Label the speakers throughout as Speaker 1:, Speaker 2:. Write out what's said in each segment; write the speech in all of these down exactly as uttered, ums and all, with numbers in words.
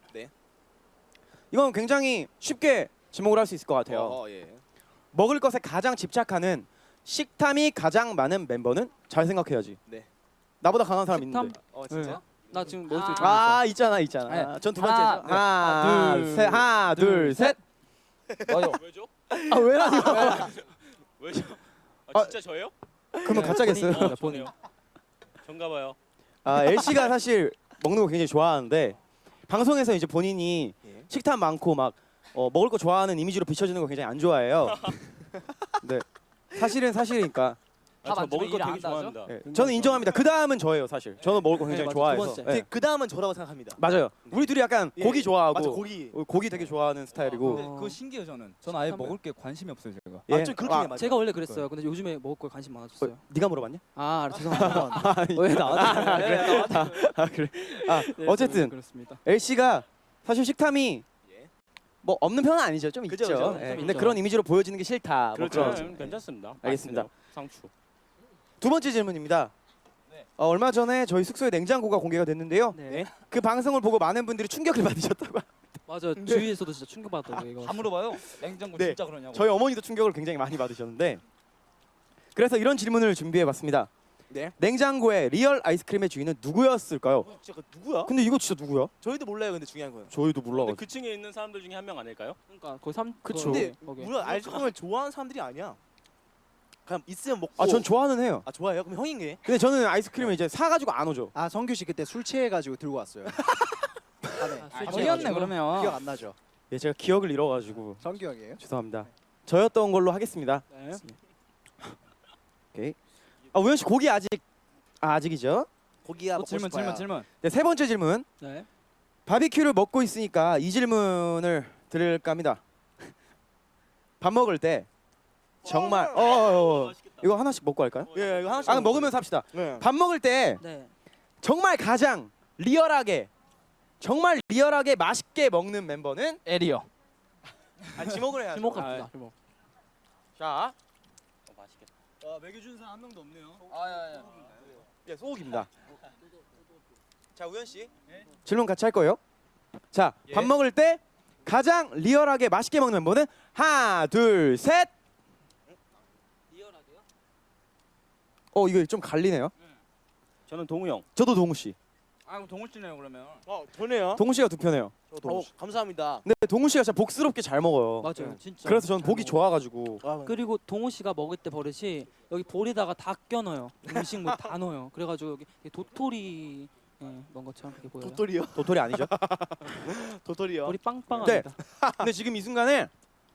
Speaker 1: 네.
Speaker 2: 이건 굉장히 쉽게 지목을 할 수 있을 것 같아요.
Speaker 1: 어, 예.
Speaker 2: 먹을 것에 가장 집착하는 식탐이 가장 많은 멤버는 잘 생각해야지.
Speaker 1: 네.
Speaker 2: 나보다 강한 사람
Speaker 3: 식탐?
Speaker 2: 있는데.
Speaker 1: 어, 진짜?
Speaker 3: 네. 나 지금 머릿속에
Speaker 2: 아 있잖아 있잖아.
Speaker 3: 네.
Speaker 2: 전 두
Speaker 3: 하나,
Speaker 2: 번째죠.
Speaker 3: 네.
Speaker 2: 하나,
Speaker 3: 둘,
Speaker 2: 둘, 셋, 하나, 둘,
Speaker 3: 둘,
Speaker 2: 셋.
Speaker 3: 맞아.
Speaker 4: 왜죠?
Speaker 2: 아 왜라니요?
Speaker 4: 왜죠? 아, 진짜 저예요?
Speaker 2: 그러면 가짜겠어요.
Speaker 4: 어, 저네요. 전가 봐요.
Speaker 2: 아 엘씨가 사실 먹는 거 굉장히 좋아하는데 방송에서 이제 본인이
Speaker 1: 예.
Speaker 2: 식탐 많고 막 어, 먹을 거 좋아하는 이미지로 비춰지는 거 굉장히 안 좋아해요. 네. 사실은 사실이니까.
Speaker 4: 아, 저
Speaker 3: 안
Speaker 4: 먹을 거
Speaker 3: 주면
Speaker 4: 되게
Speaker 3: 일안 나죠?
Speaker 4: 좋아합니다.
Speaker 2: 네. 저는 인정합니다. 그 다음은 저예요, 사실. 저는 먹을 거
Speaker 3: 네,
Speaker 2: 굉장히
Speaker 3: 맞아. 두
Speaker 2: 좋아해서.
Speaker 3: 번째.
Speaker 2: 네.
Speaker 1: 그 다음은 저라고 생각합니다.
Speaker 2: 맞아요. 우리 둘이 약간
Speaker 1: 예.
Speaker 2: 고기 좋아하고
Speaker 1: 맞아, 고기.
Speaker 2: 어, 고기 되게 좋아하는 스타일이고.
Speaker 3: 어.
Speaker 5: 그거 신기해요 저는. 저는 아예
Speaker 3: 식탐을-
Speaker 5: 먹을 게 관심이 없어요 제가.
Speaker 2: 예.
Speaker 1: 아, 좀 그렇긴
Speaker 2: 아,
Speaker 1: 해, 맞아.
Speaker 3: 제가 원래 그랬어요. 근데 요즘에 먹을 거에 관심 많아졌어요.
Speaker 2: 어, 네가 물어봤냐?
Speaker 3: 아 죄송합니다.
Speaker 2: 아니,
Speaker 3: 왜 나한테? 네, 나한테.
Speaker 2: 아 그래. 아
Speaker 3: 네,
Speaker 2: 어쨌든
Speaker 3: 그렇습니다.
Speaker 2: 엘씨가 사실 식탐이
Speaker 1: 예.
Speaker 2: 뭐 없는 편은 아니죠. 좀
Speaker 1: 그죠,
Speaker 2: 있죠.
Speaker 1: 그죠.
Speaker 2: 예,
Speaker 3: 좀
Speaker 2: 근데
Speaker 3: 있죠.
Speaker 2: 그런 이미지로 보여지는 게 싫다. 뭐
Speaker 4: 그렇죠.
Speaker 2: 그런.
Speaker 4: 네, 괜찮습니다.
Speaker 2: 알겠습니다.
Speaker 4: 맛있네요. 상추.
Speaker 2: 두 번째 질문입니다.
Speaker 5: 네.
Speaker 2: 어, 얼마 전에 저희 숙소에 냉장고가 공개가 됐는데요.
Speaker 3: 네.
Speaker 2: 그 방송을 보고 많은 분들이 충격을 받으셨다고.
Speaker 3: 맞아. 주위에서도 진짜 충격받았다고 이거.
Speaker 5: 다 물어봐요. 냉장고
Speaker 2: 네.
Speaker 5: 진짜 그러냐고.
Speaker 2: 저희 어머니도 충격을 굉장히 많이 받으셨는데. 그래서 이런 질문을 준비해봤습니다.
Speaker 1: 네.
Speaker 2: 냉장고의 리얼 아이스크림의 주인은 누구였을까요?
Speaker 1: 어, 진짜 그 누구야?
Speaker 2: 근데 이거 진짜 누구야?
Speaker 1: 저희도 몰라요. 근데 중요한 거예요.
Speaker 2: 저희도
Speaker 4: 근데
Speaker 2: 몰라가지고.
Speaker 4: 그 층에 있는 사람들 중에 한 명 아닐까요?
Speaker 3: 그러니까 거의 삼.
Speaker 2: 그쵸.
Speaker 1: 근데
Speaker 3: 거기.
Speaker 1: 우리가 아이스크림을 좋아하는 사람들이 아니야. 그냥 있으면 먹고.
Speaker 2: 아, 전 좋아는 해요.
Speaker 1: 아, 좋아해요? 그럼 형인 게?
Speaker 2: 근데 저는 아이스크림을 이제 사가지고 안 오죠.
Speaker 6: 아 성규 씨 그때 술 취해가지고 들고 왔어요. 아, 네.
Speaker 3: 아,
Speaker 6: 아,
Speaker 3: 술
Speaker 5: 아,
Speaker 3: 취해가지고.
Speaker 5: 저기였네 그러면.
Speaker 6: 기억 안 나죠?
Speaker 2: 예, 제가 기억을 잃어가지고
Speaker 6: 성규 형이에요?
Speaker 2: 죄송합니다. 저였던 걸로 하겠습니다.
Speaker 3: 네.
Speaker 2: 오케이. 아 우현 씨 고기 아직 아, 아직이죠?
Speaker 1: 고기야
Speaker 5: 또
Speaker 1: 먹고
Speaker 5: 질문
Speaker 1: 싶어요.
Speaker 5: 질문 질문.
Speaker 2: 네, 세 번째 질문.
Speaker 3: 네.
Speaker 2: 바비큐를 먹고 있으니까 이 질문을 드릴까 합니다. 밥 먹을 때 정말 어, 어, 어. 이거 하나씩 먹고 할까요?
Speaker 1: 예, 이거 하나씩.
Speaker 2: 아 먹으면서 합시다.
Speaker 1: 네.
Speaker 2: 밥 먹을 때
Speaker 3: 네.
Speaker 2: 정말 가장 리얼하게 정말 리얼하게 맛있게 먹는 멤버는
Speaker 5: 에리요.
Speaker 2: 아 지목을 해야죠.
Speaker 3: 주목 갑시다. 주목.
Speaker 2: 자,
Speaker 4: 어, 맛있겠다.
Speaker 5: 아 먹여준 사람 한 명도 없네요.
Speaker 3: 아야야.
Speaker 2: 예, 소옥입니다. 자, 우현 씨. 질문 같이 할 거예요. 자, 밥 먹을 때 가장 리얼하게 맛있게 먹는 멤버는 하나, 둘, 셋.
Speaker 3: 리얼하게요?
Speaker 2: 어, 이거 좀 갈리네요.
Speaker 4: 저는 동우 형.
Speaker 2: 저도 동우 씨.
Speaker 5: 아 그럼 동훈 씨네요 그러면.
Speaker 1: 어, 저네요.
Speaker 2: 동우 씨가 두 편이에요.
Speaker 1: 어, 감사합니다.
Speaker 2: 근데 동우 씨가 진짜 복스럽게 잘 먹어요.
Speaker 3: 맞아요. 진짜.
Speaker 2: 그래서 저는
Speaker 3: 잘
Speaker 2: 보기
Speaker 3: 먹어요.
Speaker 2: 좋아가지고.
Speaker 1: 아,
Speaker 3: 그리고 동호 씨가 먹을 때 버릇이 여기 볼에다가 다 껴넣어요. 음식물 다 넣어요. 그래가지고 여기 도토리 예, 먹은 것처럼 그렇게 보여요.
Speaker 1: 도토리요?
Speaker 2: 도토리 아니죠?
Speaker 1: 도토리요.
Speaker 3: 볼이 빵빵합니다.
Speaker 2: 근데 지금 이 순간에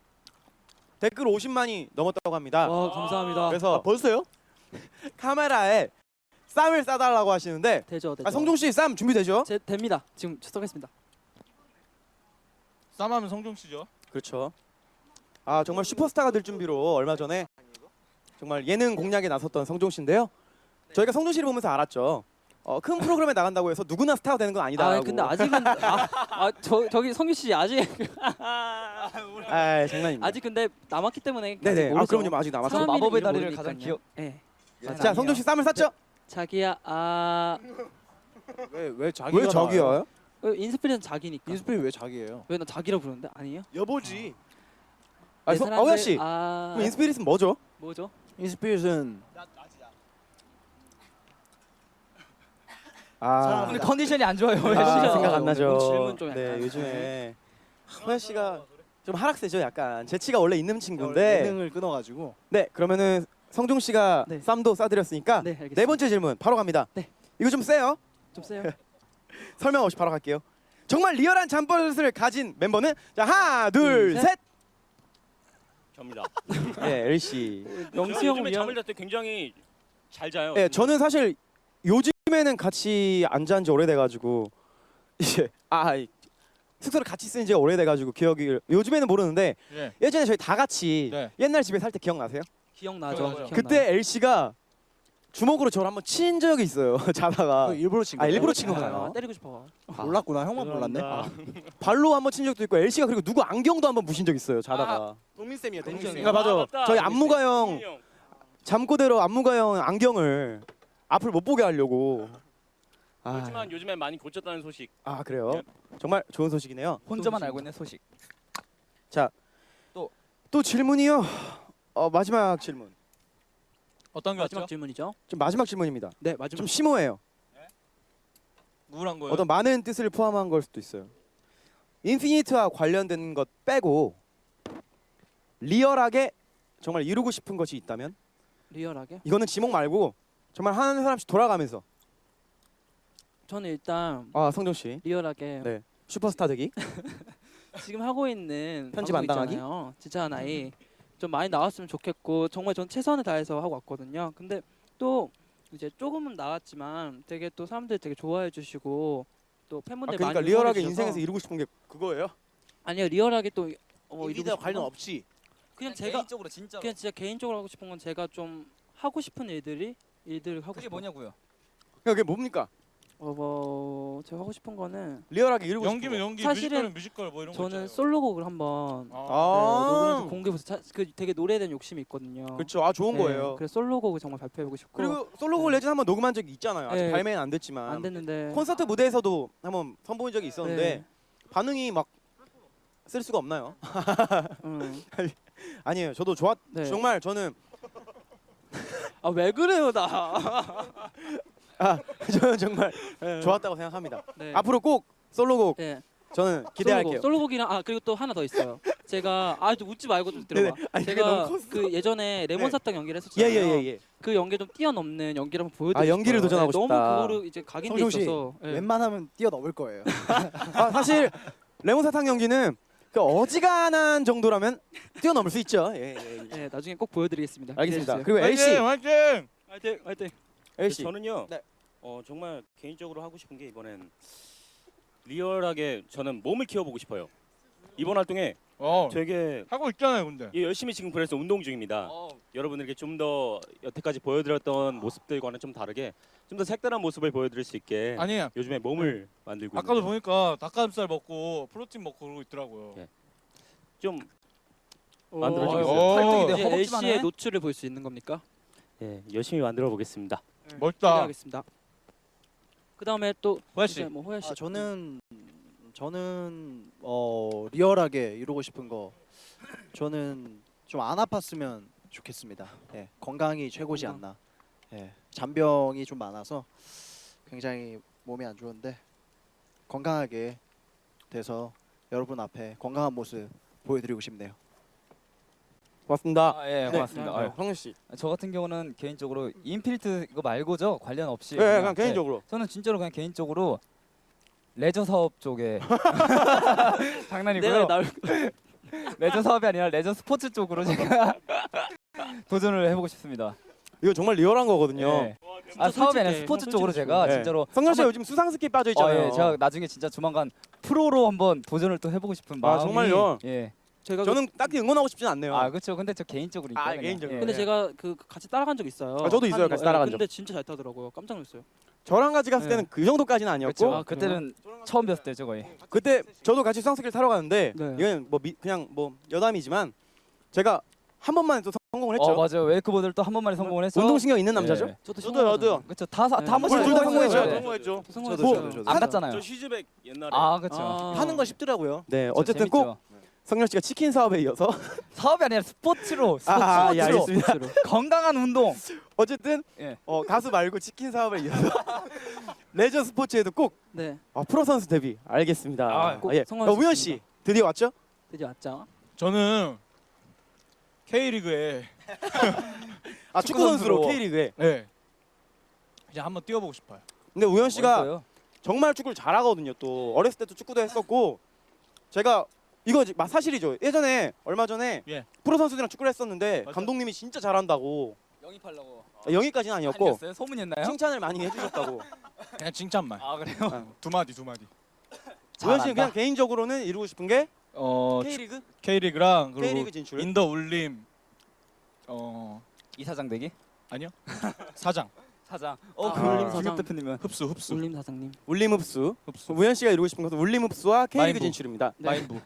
Speaker 2: 댓글 오십만이 넘었다고 합니다.
Speaker 3: 와 감사합니다.
Speaker 2: 그래서
Speaker 1: 아, 벌써요?
Speaker 2: 카메라에 쌈을 싸달라고 하시는데
Speaker 3: 되죠, 되죠.
Speaker 2: 아, 성종 씨 쌈 준비되죠?
Speaker 3: 제, 됩니다. 지금 출석했습니다.
Speaker 5: 쌈하면 성종 씨죠.
Speaker 2: 그렇죠. 아 정말 슈퍼스타가 될 준비로 얼마 전에 정말 예능 공략에 나섰던 성종 씨인데요. 저희가 성종 씨를 보면서 알았죠. 어, 큰 프로그램에 나간다고 해서 누구나 스타가 되는 건 아니다.
Speaker 3: 아 근데 아직은 아저 저기 성규 씨 아직
Speaker 2: 아 장난입니다.
Speaker 3: 아직 근데 남았기 때문에
Speaker 2: 네네.
Speaker 3: 아직
Speaker 2: 아
Speaker 3: 모르죠.
Speaker 2: 그럼요. 아직 남았죠.
Speaker 3: 사람이
Speaker 5: 마법의
Speaker 3: 이름
Speaker 5: 다리를
Speaker 3: 모르니까요.
Speaker 5: 가장 기억-
Speaker 3: 예.
Speaker 2: 자 성종 씨 쌈을 쌌죠?
Speaker 3: 자기야 아
Speaker 6: 왜왜 자기가
Speaker 2: 왜 저기요?
Speaker 3: 어, 인스피레이션 자기니까.
Speaker 6: 인스피리 왜 자기예요?
Speaker 3: 왜 나 자기라고 부르는데 아니에요?
Speaker 1: 여보지.
Speaker 2: 아,
Speaker 3: 내
Speaker 2: 성,
Speaker 3: 사랑들-
Speaker 2: 어현 씨.
Speaker 3: 아
Speaker 2: 그럼 인스피릿은 뭐죠?
Speaker 3: 뭐죠?
Speaker 6: 인스피릿은
Speaker 2: 아,
Speaker 5: 오늘 컨디션이 안 좋아요.
Speaker 2: 아
Speaker 3: 진짜.
Speaker 2: 생각 안 나죠.
Speaker 3: 질문 좀
Speaker 2: 네
Speaker 3: 약간.
Speaker 2: 요즘에 허현 씨가 좀 하락세죠. 약간 재치가 원래 있는
Speaker 6: 네.
Speaker 2: 친구인데.
Speaker 6: 예능을 끊어가지고
Speaker 2: 네 그러면은 성종 씨가
Speaker 3: 네.
Speaker 2: 쌈도 싸드렸으니까
Speaker 3: 네 알겠습니다.
Speaker 2: 네 번째 질문 바로 갑니다.
Speaker 3: 네.
Speaker 2: 이거 좀 세요.
Speaker 3: 좀 세요.
Speaker 2: 설명 없이 바로 갈게요. 정말 리얼한 잠버릇을 가진 멤버는 자 하나 둘
Speaker 3: 둘,
Speaker 2: 셋.
Speaker 4: 접니다.
Speaker 2: 네 엘씨.
Speaker 3: 영수
Speaker 4: 저는
Speaker 3: 형
Speaker 4: 요즘에
Speaker 3: 미안.
Speaker 4: 잠을 잘 때 굉장히 잘 자요.
Speaker 2: 네 저는 사실 요즘에는 같이 안 잔 지 오래돼가지고 이제 아 이- 숙소를 같이 쓴 지가 오래돼가지고 기억이 요즘에는 모르는데
Speaker 5: 예.
Speaker 2: 예전에 저희 다 같이
Speaker 5: 네.
Speaker 2: 옛날 집에 살 때 기억나세요?
Speaker 3: 기억나죠?
Speaker 5: 기억나죠.
Speaker 3: 기억나요.
Speaker 2: 그때 엘씨가 주먹으로 저를 한번 친 적이 있어요. 자다가
Speaker 6: 그거 일부러 친
Speaker 2: 아,
Speaker 6: 거예요?
Speaker 2: 일부러 친
Speaker 3: 아,
Speaker 2: 건가요?
Speaker 3: 때리고 싶어.
Speaker 6: 몰랐구나 형만 몰랐네.
Speaker 4: 죄송합니다.
Speaker 2: 발로 한번 친 적도 있고 엘씨가 그리고 누구 안경도 한번 부신 적 있어요. 자다가.
Speaker 1: 동민 쌤이요. 동민
Speaker 3: 동민
Speaker 1: 쌤.
Speaker 2: 아, 맞아.
Speaker 4: 맞다.
Speaker 2: 저희
Speaker 4: 동민
Speaker 2: 안무가
Speaker 4: 쌤.
Speaker 2: 형
Speaker 4: 동민이 형.
Speaker 2: 잠꼬대로 안무가 형 안경을 앞을 못 보게 하려고 아,
Speaker 4: 그렇지만 요즘에 많이 고쳤다는 소식.
Speaker 2: 아 그래요? 정말 좋은 소식이네요.
Speaker 5: 혼자만 알고 있는 소식.
Speaker 2: 또 질문이요. 어, 마지막 질문.
Speaker 5: 어떤 게
Speaker 3: 마지막
Speaker 5: 왔죠?
Speaker 3: 질문이죠.
Speaker 2: 좀 마지막 질문입니다.
Speaker 3: 네 마지막.
Speaker 2: 좀 심오해요.
Speaker 5: 우울한 거예요.
Speaker 2: 어떤 많은 뜻을 포함한 걸 수도 있어요. 인피니트와 관련된 것 빼고 리얼하게 정말 이루고 싶은 것이 있다면
Speaker 3: 리얼하게.
Speaker 2: 이거는 지목 말고 정말 한 사람씩 돌아가면서
Speaker 3: 저는 일단
Speaker 2: 아 성종 씨
Speaker 3: 리얼하게
Speaker 2: 네. 슈퍼스타 되기.
Speaker 3: 지금 하고 있는
Speaker 2: 편집
Speaker 3: 방송
Speaker 2: 안 당하기?
Speaker 3: 있잖아요. 진짜 하나이 좀 많이 나왔으면 좋겠고 정말 전 최선을 다해서 하고 왔거든요. 근데 또 이제 조금은 나왔지만 되게 또 사람들이 되게 좋아해 주시고 또
Speaker 2: 아,
Speaker 3: 팬분들
Speaker 2: 그러니까
Speaker 3: 많이
Speaker 2: 리얼하게
Speaker 3: 응원해 주셔서
Speaker 2: 인생에서 이루고 싶은 게 그거예요?
Speaker 3: 아니요 리얼하게 또 어, 이루고
Speaker 1: 인피니트와
Speaker 3: 싶은
Speaker 1: 관련
Speaker 3: 건
Speaker 1: 없이
Speaker 3: 그냥 제가
Speaker 5: 개인적으로 진짜.
Speaker 3: 그냥 진짜 개인적으로 하고 싶은 건 제가 좀 하고 싶은 일들이 일들을 하고
Speaker 5: 그게
Speaker 3: 싶어요.
Speaker 5: 뭐냐고요?
Speaker 2: 그러니까 그게 뭡니까?
Speaker 3: 어, 뭐 제가 하고 싶은 거는
Speaker 2: 리얼하게 이루고
Speaker 7: 연기면
Speaker 2: 싶은
Speaker 7: 연기,
Speaker 3: 사실은
Speaker 7: 뮤지컬은 뮤지컬 뭐 이런 거
Speaker 3: 저는
Speaker 7: 있잖아요.
Speaker 3: 솔로곡을 한번
Speaker 2: 거.
Speaker 3: 네,
Speaker 2: 아,
Speaker 3: 녹음해서 공개해서 자- 그 되게 노래에 대한 욕심이 있거든요.
Speaker 2: 그렇죠. 아 좋은
Speaker 3: 네,
Speaker 2: 거예요.
Speaker 3: 그래서 솔로곡을 정말 발표해보고 싶고
Speaker 2: 그리고 솔로곡 레전 한번 녹음한 적이 있잖아요. 아직
Speaker 3: 네.
Speaker 2: 발매는 안 됐지만
Speaker 3: 안 됐는데
Speaker 2: 콘서트 무대에서도 한번 선보인 적이 있었는데
Speaker 3: 네.
Speaker 2: 반응이 막 쓸 수가 없나요?
Speaker 3: 응.
Speaker 2: 아니에요. 저도 좋았.
Speaker 3: 네.
Speaker 2: 정말 저는
Speaker 3: 아 왜 그래요 나?
Speaker 2: 아 저는 정말
Speaker 3: 네.
Speaker 2: 좋았다고 생각합니다.
Speaker 3: 네.
Speaker 2: 앞으로 꼭 솔로곡
Speaker 3: 네.
Speaker 2: 저는 기대할게요.
Speaker 3: 솔로곡, 솔로곡이랑 아 그리고 또 하나 더 있어요. 제가 아좀 웃지 말고 좀 들어봐.
Speaker 2: 네네. 아니, 그게
Speaker 3: 제가
Speaker 2: 너무 컸어.
Speaker 3: 그 예전에 레몬
Speaker 2: 네.
Speaker 3: 사탕 연기를 했었잖아요.
Speaker 2: 예예예 예, 예.
Speaker 3: 그 연기 좀 뛰어넘는 연기를 한번 보여드리고
Speaker 2: 아, 연기를
Speaker 3: 싶어요.
Speaker 2: 도전하고
Speaker 3: 네,
Speaker 2: 싶다.
Speaker 3: 너무 그거를 이제 각인돼
Speaker 6: 성종 씨,
Speaker 3: 있어서. 네.
Speaker 6: 웬만하면 뛰어넘을 거예요.
Speaker 2: 아 사실 레몬 사탕 연기는 그 어지간한 정도라면 뛰어넘을 수 있죠. 예, 예, 예.
Speaker 3: 네, 나중에 꼭 보여드리겠습니다.
Speaker 2: 알겠습니다.
Speaker 3: 기대해주세요.
Speaker 2: 그리고 L 씨,
Speaker 7: 화이팅! 화이팅!
Speaker 3: 화이팅 화이팅.
Speaker 2: L 씨.
Speaker 4: 저는요.
Speaker 2: 네.
Speaker 4: 어 정말 개인적으로 하고 싶은 게 이번엔 리얼하게 저는 몸을 키워보고 싶어요. 이번 활동에
Speaker 7: 어,
Speaker 4: 되게
Speaker 7: 하고 있잖아요, 근데.
Speaker 4: 예, 열심히 지금 그래서 운동 중입니다. 여러분들께 좀 더 여태까지 보여드렸던 모습들과는 좀 다르게 좀 더 색다른 모습을 보여드릴 수 있게
Speaker 7: 아니에요.
Speaker 4: 요즘에 몸을 만들고
Speaker 7: 아까도
Speaker 4: 있는데
Speaker 7: 보니까 닭가슴살 먹고 프로틴 먹고 그러고 있더라고요.
Speaker 4: 예. 좀
Speaker 3: 오.
Speaker 4: 만들어주겠어요.
Speaker 7: 오.
Speaker 5: 활동이
Speaker 3: 이제
Speaker 5: 되게
Speaker 3: L
Speaker 5: 허벅지만
Speaker 3: 씨의
Speaker 5: 해.
Speaker 3: 노출을 볼 수 있는 겁니까?
Speaker 4: 예, 열심히 만들어 보겠습니다.
Speaker 7: 멋있다.
Speaker 3: 기대하겠습니다. 그 다음에 또
Speaker 7: 호야
Speaker 3: 이제
Speaker 7: 씨.
Speaker 3: 뭐 호야 씨.
Speaker 6: 아, 저는 저는 어, 리얼하게 이루고 싶은 거 저는 좀 안 아팠으면 좋겠습니다. 예, 건강이 최고지
Speaker 3: 건강.
Speaker 6: 않나. 예, 잔병이 좀 많아서 굉장히 몸이 안 좋은데 건강하게 돼서 여러분 앞에 건강한 모습 보여드리고 싶네요.
Speaker 2: 고맙습니다.
Speaker 5: 아, 예, 고맙습니다.
Speaker 3: 네.
Speaker 5: 아유,
Speaker 2: 성준 씨.
Speaker 5: 저 같은 경우는 개인적으로 인필트 이거 말고죠 관련 없이.
Speaker 2: 예, 예, 그냥
Speaker 5: 네.
Speaker 2: 개인적으로.
Speaker 5: 저는 진짜로 그냥 개인적으로 레저 사업 쪽에 장난이고요.
Speaker 3: 내가 나올
Speaker 5: 레저 사업이 아니라 레저 스포츠 쪽으로 제가 도전을 해보고 싶습니다.
Speaker 2: 이거 정말 리얼한 거거든요.
Speaker 5: 예. 아 사업이 아니라
Speaker 3: 솔직해.
Speaker 5: 스포츠
Speaker 3: 형
Speaker 5: 쪽으로
Speaker 3: 솔직히
Speaker 5: 제가
Speaker 2: 예.
Speaker 5: 진짜로
Speaker 2: 성준 씨
Speaker 5: 한번-
Speaker 2: 요즘 수상스키 빠져
Speaker 5: 어,
Speaker 2: 있잖아요.
Speaker 5: 예, 제가 나중에 진짜 조만간 프로로 한번 도전을 또 해보고 싶은
Speaker 2: 아,
Speaker 5: 마음이.
Speaker 2: 정말요?
Speaker 5: 예.
Speaker 3: 제가
Speaker 2: 저는 딱히 응원하고 싶진 않네요.
Speaker 5: 아 그렇죠. 근데 저 개인적으로
Speaker 2: 아,
Speaker 5: 있거든요.
Speaker 2: 개인적으로.
Speaker 5: 예.
Speaker 3: 근데
Speaker 2: 네.
Speaker 3: 제가 그 같이 따라간 적 있어요.
Speaker 2: 아, 저도 있어요.
Speaker 3: 하는
Speaker 2: 같이
Speaker 3: 거.
Speaker 2: 따라간
Speaker 3: 예, 근데 진짜 잘 타더라고요. 깜짝 놀랐어요.
Speaker 2: 저랑 같이 갔을
Speaker 3: 네.
Speaker 2: 때는 그 정도까지는 아니었고
Speaker 5: 그렇죠.
Speaker 3: 아,
Speaker 5: 그때는 처음 뵀을 때죠 거의.
Speaker 2: 그때 저도 같이 수상스키를 타러 가는데
Speaker 3: 네.
Speaker 2: 이건 뭐 미, 그냥 뭐 여담이지만 제가 한 번만에 또 성공을 했죠.
Speaker 5: 어 맞아요. 웨이크보드를 또 한 번만에 성공을 했어.
Speaker 2: 운동신경 있는 남자죠.
Speaker 5: 예.
Speaker 3: 저도
Speaker 2: 저도요, 저도요.
Speaker 5: 그렇죠. 다다
Speaker 3: 네.
Speaker 5: 한 번씩
Speaker 2: 우리 둘다
Speaker 5: 성공했어요.
Speaker 2: 성공했죠.
Speaker 5: 네.
Speaker 2: 성공했죠.
Speaker 3: 성공했어요.
Speaker 6: 저도, 저도.
Speaker 5: 안 갔잖아요.
Speaker 4: 저 시즈백 옛날에
Speaker 5: 아 그렇죠.
Speaker 3: 아.
Speaker 6: 하는 거 쉽더라고요.
Speaker 2: 네,
Speaker 5: 그렇죠.
Speaker 2: 어쨌든 꼭
Speaker 5: 재밌죠.
Speaker 2: 성렬 씨가 치킨 사업에 이어서
Speaker 5: 사업이 아니라 스포츠로 스포츠,
Speaker 2: 아, 예,
Speaker 5: 스포츠로
Speaker 2: 알겠습니다.
Speaker 5: 건강한 운동.
Speaker 2: 어쨌든
Speaker 5: 예.
Speaker 2: 어, 가수 말고 치킨 사업에 이어서 레저 스포츠에도 꼭
Speaker 3: 네.
Speaker 2: 아, 프로 선수 데뷔 알겠습니다.
Speaker 5: 아,
Speaker 3: 꼭
Speaker 2: 예.
Speaker 3: 성공할
Speaker 2: 어,
Speaker 3: 수
Speaker 2: 우현
Speaker 3: 있습니다.
Speaker 2: 씨 드디어 왔죠?
Speaker 3: 드디어 왔죠.
Speaker 7: 저는 K리그에
Speaker 2: 아 축구 선수로
Speaker 5: 선수로.
Speaker 2: K리그에.
Speaker 7: 네. 그냥 한번 뛰어보고 싶어요.
Speaker 2: 근데 우현 씨가
Speaker 5: 멋있어요.
Speaker 2: 정말 축구를 잘하거든요. 또 어렸을 때도 축구도 했었고 제가 이거 지- 마- 사실이죠. 예전에 얼마 전에
Speaker 7: 예.
Speaker 2: 프로 선수들이랑 축구를 했었는데
Speaker 7: 맞아.
Speaker 2: 감독님이 진짜 잘한다고
Speaker 5: 영입하려고.
Speaker 2: 아, 영입까지는 아니었고
Speaker 5: 아니었어요? 소문이었나요?
Speaker 2: 칭찬을 많이 해주셨다고.
Speaker 7: 그냥 칭찬만.
Speaker 5: 아 그래요?
Speaker 7: 두 마디 두 마디.
Speaker 2: 우현 씨는
Speaker 5: 잘한다.
Speaker 2: 그냥 개인적으로는 이루고 싶은 게
Speaker 7: 어
Speaker 2: K리그?
Speaker 7: K리그랑 그리고
Speaker 2: K리그 진출.
Speaker 7: 인더 울림 어
Speaker 5: 이사장 되기?
Speaker 7: 사장
Speaker 5: 사장. 어,
Speaker 3: 아,
Speaker 5: 그
Speaker 3: 울림
Speaker 5: 울림
Speaker 3: 사장.
Speaker 5: 중엽 대표님은
Speaker 7: 흡수 흡수
Speaker 3: 울림 사장님.
Speaker 2: 울림 흡수.
Speaker 7: 흡수
Speaker 2: 우현 씨가 이루고 싶은 것은 울림 흡수와 K리그
Speaker 7: 마인부.
Speaker 2: 진출입니다.
Speaker 3: 네.
Speaker 7: 마인부.